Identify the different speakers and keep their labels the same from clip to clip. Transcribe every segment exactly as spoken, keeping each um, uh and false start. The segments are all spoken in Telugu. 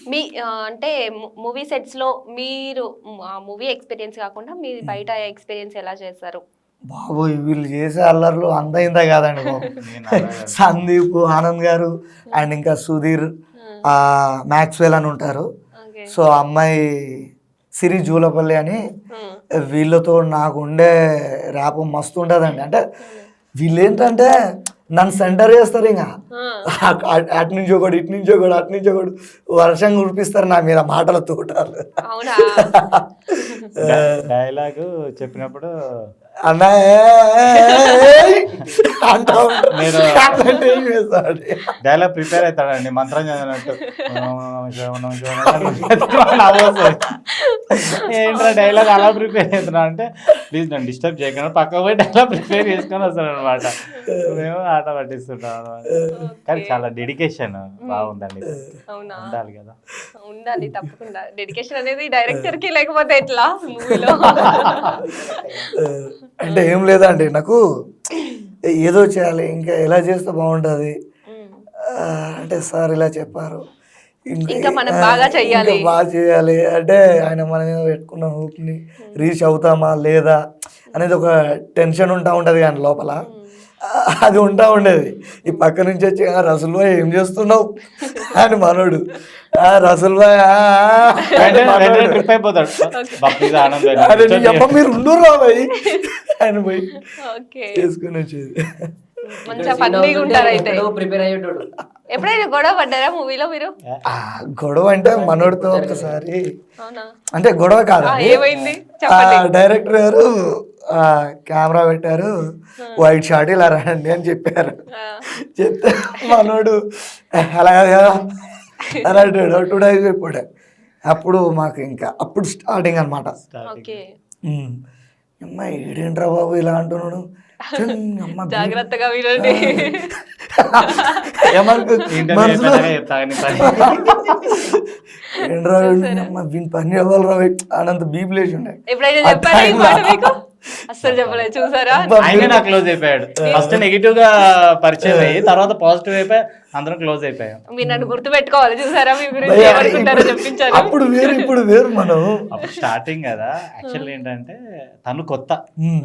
Speaker 1: మీ ఆహ్, అంటే మూవీ సెట్స్‌లో మీరు ఆహ్, మూవీ ఎక్స్‌పీరియన్స్ కాకుండా మీ బయట ఎక్స్‌పీరియన్స్ ఎలా చేశారు?
Speaker 2: బాబోయ్! వీళ్ళు చేసే అల్లర్లు అంత ఇంత కాదండి బాబు.
Speaker 3: నేను అలాగే
Speaker 2: సందీప్, ఆనంద్ గారు అండ్ ఇంకా సుధీర్,
Speaker 1: హ్మ్.
Speaker 2: ఆహ్, మ్యాక్స్‌వెల్ అని ఉంటారు.
Speaker 1: ఓకే.
Speaker 2: సో, ఆ అమ్మాయి సిరి జూలపల్లి అని.
Speaker 1: హ్మ్.
Speaker 2: వీళ్ళతో నాకుండే ర్యాప్ మస్తు ఉంటదండి. అంటే
Speaker 1: అవునా?
Speaker 2: వీళ్ళేంటంటే నన్ను సెంటర్ చేస్తారు ఇంక.
Speaker 1: ఆ!
Speaker 2: అట్ అటు నుంచి ఒకడు, ఇటు నుంచి ఒకడు, అటు నుంచి ఒకడు వర్షం కురిపిస్తారు నా మీద మాటల తోటాలు.
Speaker 1: అవునా?
Speaker 3: డైలాగు చెప్పినప్పుడు
Speaker 2: అన్నా అంటా
Speaker 3: నేను
Speaker 2: అంటే ఏం చేస్తాడు?
Speaker 3: డైలాగ్ ప్రిపేర్ అవుతాడండి మంత్రం చదివినట్టు. నవ్వొస్తుంది. ఏంట్రా డైలాగ్ అలా ప్రిపేర్ అవుతున్నా అంటే ప్లీజ్ నన్ను డిస్టర్బ్ చేయకుండా పక్కకు పోయి డైలాగ్ ప్రిపేర్ చేసుకొని వస్తాను అనమాట. మేము ఆట పట్టిస్తుంటాం అనమాట. కానీ చాలా డెడికేషన్ బాగుందండి.
Speaker 1: అవునా?
Speaker 3: ఉండాలి కదా.
Speaker 1: ఉండాలి తప్పకుండా. డెడికేషన్ అనేది డైరెక్టర్‌కి లేకపోతే ఎట్లా మూవీలో?
Speaker 2: అంటే ఏం లేదండి, నాకు ఏదో చేయాలి, ఇంకా ఎలా చేస్తే బాగుంటుంది
Speaker 1: హ్మ్.
Speaker 2: అంటే సార్ ఇలా చెప్పారు,
Speaker 1: ఇంకా మనం
Speaker 2: ఆ,
Speaker 1: బాగా
Speaker 2: ఇంకా
Speaker 1: చెయ్యాలి.
Speaker 2: బాగా చేయాలి అంటే ఆయన మన మీద పెట్టుకున్న హోప్ని రీచ్ అవుతామా లేదా అనేది ఒక టెన్షన్ ఉంటా ఉంటుంది కానీ లోపల ఆ, అది ఉంటా ఉండేది. ఈ పక్క నుంచి వచ్చి "ఆ, రసూల్ భాయ్ ఏం చేస్తున్నావు" అని మనోడు, "ఆ, రసూల్ భాయ్ ఆ, ఆ" అని మనోడు.
Speaker 3: ట్రిప్ అయిపోతాడు. భక్తిగా ఆనందం
Speaker 2: అరే నీ అమ్మ మీరు ఉండుర్రా భయ్ అని పోయి
Speaker 1: ఓకే.
Speaker 2: చేసుకుని వచ్చేది.
Speaker 1: మంచిగా ఫన్నీగా ఉంటారు అయితే.
Speaker 4: ప్రిపేర్ అయ్యేటోడు.
Speaker 1: ఎప్పుడైనా గొడవ పడ్డారా మూవీలో మీరు?
Speaker 2: ఆ, గొడవ అంటే మనోడితో ఒకసారి,
Speaker 1: అవునా?
Speaker 2: అంటే గొడవ
Speaker 1: ఆ,
Speaker 2: కాదండి,
Speaker 1: ఏమైంది
Speaker 2: ఆ,
Speaker 1: చెప్పండి.
Speaker 2: డైరెక్టర్ గారు ఆ, కెమెరా పెట్టారు, వైట్ షాట్ ఇలా రండి అని చెప్పారు.
Speaker 1: ఆ.
Speaker 2: చెప్తే మనోడు అలా కాదు కదా అని అంటాడు, టూ డేస్ చెప్పాడు. అప్పుడు మాకు ఇంకా అప్పుడు స్టార్టింగ్ అనమాట.
Speaker 1: ఓకే.
Speaker 2: అమ్మ ఏడేంట్రా బాబు ఇలా అంటున్నాడు, ఛన్, అమ్మ బీ-
Speaker 1: జాగ్రత్తగా వినండి.
Speaker 2: ఏమనుకో మనసులో ఏంట్రా వీడు, అమ్మ వీని పని అవ్వాలి రా అనంత బీప్ లేచి ఉండే.
Speaker 1: ఎప్పుడైనా
Speaker 2: ఆ
Speaker 1: చెప్పారా ఈ
Speaker 2: time
Speaker 1: మాట
Speaker 2: లో-
Speaker 1: మీకు? అస్సలు చెప్పలేదు చూసారా?
Speaker 3: ఆయనే నాకు క్లోజ్ అయిపోయాడు. ఫస్ట్ నెగిటివ్ గా పరిచయం అయ్యి తర్వాత పాజిటివ్ అయిపోయి అందరం క్లోజ్ అయిపోయాం.
Speaker 1: మీరు నన్ను గుర్తు పెట్టుకోవాలి చూసారా, మీ గురించి
Speaker 2: భయ్యా,
Speaker 1: ఏమనుకుంటారో
Speaker 2: ఇప్పుడు-
Speaker 1: చెప్పించారు.
Speaker 2: అప్పుడు వేరు ఇప్పుడు వేరు మనం.
Speaker 3: అప్పుడు స్టార్టింగ్ కదా. యాక్చువల్ ఏంటంటే తను కొత్త,
Speaker 2: ఉమ్,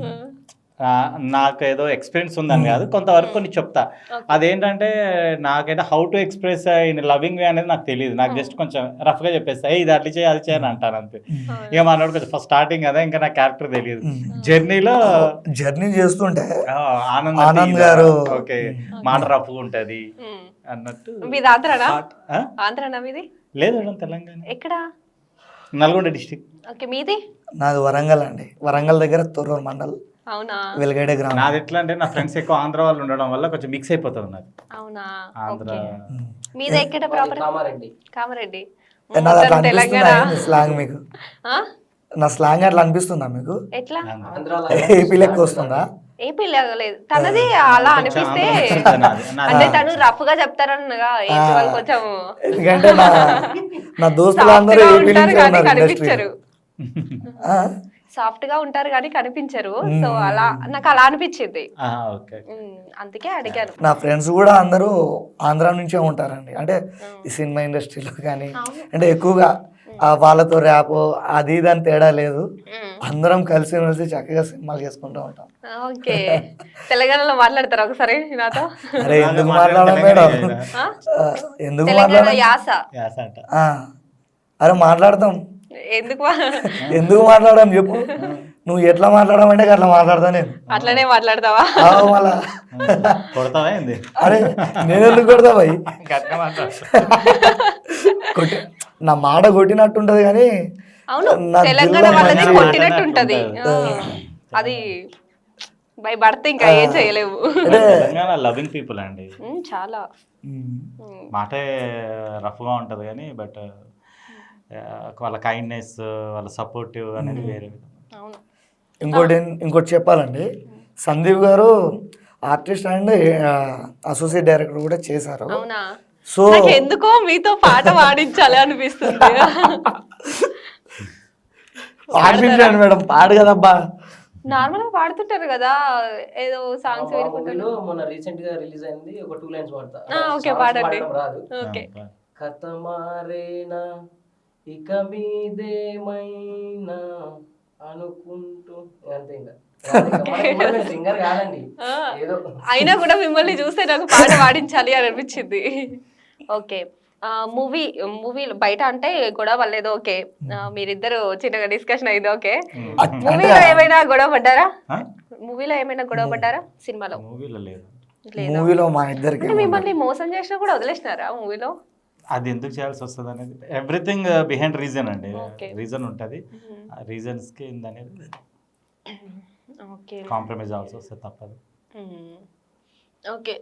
Speaker 3: ఆ, నాకు ఏదో ఎక్స్పీరియన్స్ ఉందని కాదు, కొంతవరకు కొన్ని చెప్తా. అదేంటంటే నాకైతే how to express in loving way అనేది నాకు తెలియదు. నాకు జస్ట్ కొంచెం రఫ్ గా చెప్పేస్తా, "ఏ, ఇది అట్లా చేయి అది చేయని" అంటాను అంతే. ఇక మనోడు కొంచెం ఫస్ట్ స్టార్టింగ్ కదా, ఇంకా నా క్యారెక్టర్ తెలియదు. జర్నీలో
Speaker 2: జర్నీ చేస్తుంటే
Speaker 3: ఆనంద్
Speaker 2: ఆనంద్ గారు
Speaker 3: ఓకే మాట రఫ్గా ఉంటది
Speaker 1: ఉమ్.
Speaker 3: అన్నట్టు.
Speaker 1: మీది ఆంధ్రానా?
Speaker 3: ఆ?
Speaker 1: ఆంధ్రానా మీది?
Speaker 3: లేదు మేడం, తెలంగాణ,
Speaker 1: ఎక్కడ?
Speaker 3: నల్గొండ డిస్టిక్.
Speaker 1: ఓకే. మీది?
Speaker 2: నాది వరంగల్ అండి, వరంగల్ దగ్గర తొర్రూరు మండల్,
Speaker 1: అవునా?
Speaker 2: వెలగడే గ్రామం.
Speaker 3: నాది ఎట్లా అంటే నా ఫ్రెండ్స్ ఎక్కువ ఆంధ్ర వాళ్ళు ఉండడం వల్ల కొంచెం మిక్స్ అయిపోతుంది నాకు
Speaker 1: అవునా?
Speaker 3: ఆంధ్ర.
Speaker 1: ఓకే. మీది ఎక్కడ ప్రాపర్?
Speaker 4: కామారెడ్డి.
Speaker 1: కామారెడ్డి.
Speaker 2: ఏ, నాది అట్లా
Speaker 1: మొత్తం
Speaker 2: అనిపిస్తుందా
Speaker 1: తెలంగాణ.
Speaker 2: ఏంది స్లాంగ్ మీకు?
Speaker 1: ఆ?
Speaker 2: నా స్లాంగ్ అట్లా అనిపిస్తుందా మీకు?
Speaker 1: ఎట్లా?
Speaker 4: ఆంధ్రాలో
Speaker 2: ఏపీ లెక్క వస్తుందా?
Speaker 1: ఏపీ లేదు తనది అలా అనిపిస్తే,
Speaker 3: ఆంధ్ర నాది. నాది
Speaker 1: అంటే తను రఫ్ గా చెప్తారన్నగా ఏపీ వాళ్ళు కొంచెం
Speaker 2: ఎందుకంటే నా నా దోస్తులు
Speaker 1: సాఫ్ట్
Speaker 2: అందరూ
Speaker 1: గా
Speaker 2: ఏపీ
Speaker 1: ఉంటారు
Speaker 2: నుంచే
Speaker 1: కానీ
Speaker 2: ఉన్నారు ఇండస్ట్రీలో.
Speaker 1: కనిపించరు. సాఫ్ట్ గా ఉంటారు కానీ కనిపించరు. సో అలా నాకు అలా అనిపించింది.
Speaker 3: ఆ, ఓకే.
Speaker 1: ఉమ్, అందుకే అడిగాను.
Speaker 2: నా ఫ్రెండ్స్ కూడా అందరూ ఆంధ్ర నుంచే ఉంటారండి, అంటే ఈ సినిమా ఇండస్ట్రీలో కానీ, అంటే ఎక్కువగా ఆ వాళ్ళతో ర్యాప్ అది ఇది అని తేడా లేదు,
Speaker 1: ఉమ్,
Speaker 2: అందరం కలిసి మెలిసి చక్కగా సినిమాలు చేసుకుంటూ ఉంటాం.
Speaker 1: ఓకే. తెలంగాణలో మాట్లాడతారా ఒకసారి నాతో?
Speaker 2: అరే ఎందుకు మాట్లాడడం మేడం,
Speaker 1: ఆ?
Speaker 2: ఆ, ఎందుకు
Speaker 1: తెలంగాణ
Speaker 2: మాట్లాడడం,
Speaker 1: యాస
Speaker 3: యాస అంట.
Speaker 2: ఆ, అరే మాట్లాడతాం,
Speaker 1: ఎందుకు మా-
Speaker 2: ఎందుకు మాట్లాడడం చెప్పు, నువ్వు ఎట్లా మాట్లాడమంటే అట్లా మాట్లాడతా నేను.
Speaker 1: అట్లనే మాట్లాడతావా?
Speaker 2: ఆవు మళ్ళా
Speaker 3: కొడతావా ఏంది?
Speaker 2: అరే నేను ఎందుకు కొడతా భయ్,
Speaker 3: గట్టిగా మాట్లాడు.
Speaker 2: కొట్టి నా మాట కొట్టినట్టుంటది కానీ
Speaker 1: అవును,
Speaker 2: నా
Speaker 1: తెలంగాణ
Speaker 2: దిల్లో
Speaker 1: వాళ్ళది
Speaker 2: మంచి-
Speaker 1: కొట్టినట్టు ఉంటది. ఆ, అది బై బర్త్ ఇంకా ఏం చేయలేవు.
Speaker 3: తెలంగాణ లవింగ్ పీపుల్ అండి.
Speaker 1: ఉమ్, చాలా.
Speaker 2: ఉమ్.
Speaker 1: ఉమ్,
Speaker 3: మాటే రఫ్గా ఉంటుంది కానీ బట్ వాళ్ళ కైండ్నెస్, వాళ్ళ సపోర్టివ్ అనేది వేరే విధంగా.
Speaker 1: అవును.
Speaker 2: ఇంకోటి ఇంకోటి చెప్పాలండి, సందీప్ గారు ఆర్టిస్ట్ అండ్ అసోసియేట్ డైరెక్టర్ కూడా చేశారు.
Speaker 1: అవునా?
Speaker 2: సో
Speaker 1: నాకు ఎందుకో మీతో పాట పాడించాలి అనిపిస్తుంది.
Speaker 2: పాడిపించాను మేడం, పాడు కదబ్బా.
Speaker 1: నార్మల్ గా పాడుతుంటారు కదా, ఏదో సాంగ్స్ వినుకుంటారు.
Speaker 4: మూవీలో మొన్న రీసెంట్ గా రిలీజ్ అయింది, ఒక టూ లైన్స్ పాడతా.
Speaker 1: ఆ, ఓకే,
Speaker 4: Songs
Speaker 1: పాడండి.
Speaker 4: పాడడం రాదు
Speaker 1: ఓకే.
Speaker 4: కథ మారేనా ఇక మీదేమైనా అనుకుంటూ అంతే ఇంకా సింగర్ కాదండి
Speaker 1: ఆ,
Speaker 4: ఏదో
Speaker 1: అయినా కూడా మిమ్మల్ని చూస్తే నాకు పాట పాడించాలి అని అనిపించింది. ఓకే, మూవీ మూవీలో బయట అంటే గొడవ లేదు, ఓకే, ఆ, మీరిద్దరు చిన్నగా డిస్కషన్ అయింది, ఓకే.
Speaker 2: అట్-
Speaker 1: మూవీలో
Speaker 2: అంటే
Speaker 1: ఏమైనా గొడవ పడ్డారా?
Speaker 3: ఆ?
Speaker 1: మూవీలో ఏమైనా గొడవ పడ్డారా? సినిమాలో
Speaker 3: మూవీలో లేదు.
Speaker 1: లేదా?
Speaker 2: మూవీలో మా ఇద్దరికి
Speaker 1: అంటే మిమ్మల్ని మోసం చేసినా కూడా వదిలేసినారా మూవీలో?
Speaker 3: అది ఎందుకు చేయాల్సి వస్తుంది అనేది ఎవ్రీథింగ్ బిహైండ్ రీజన్ అండి.
Speaker 1: Okay.
Speaker 3: రీజన్ ఉంటుంది, ఆ రీజన్స్కి ఏందనేది
Speaker 1: ఓకే
Speaker 3: కాంప్రమైజ్ అవ్వాల్సి వస్తుంది, తప్పదు.
Speaker 1: ఓకే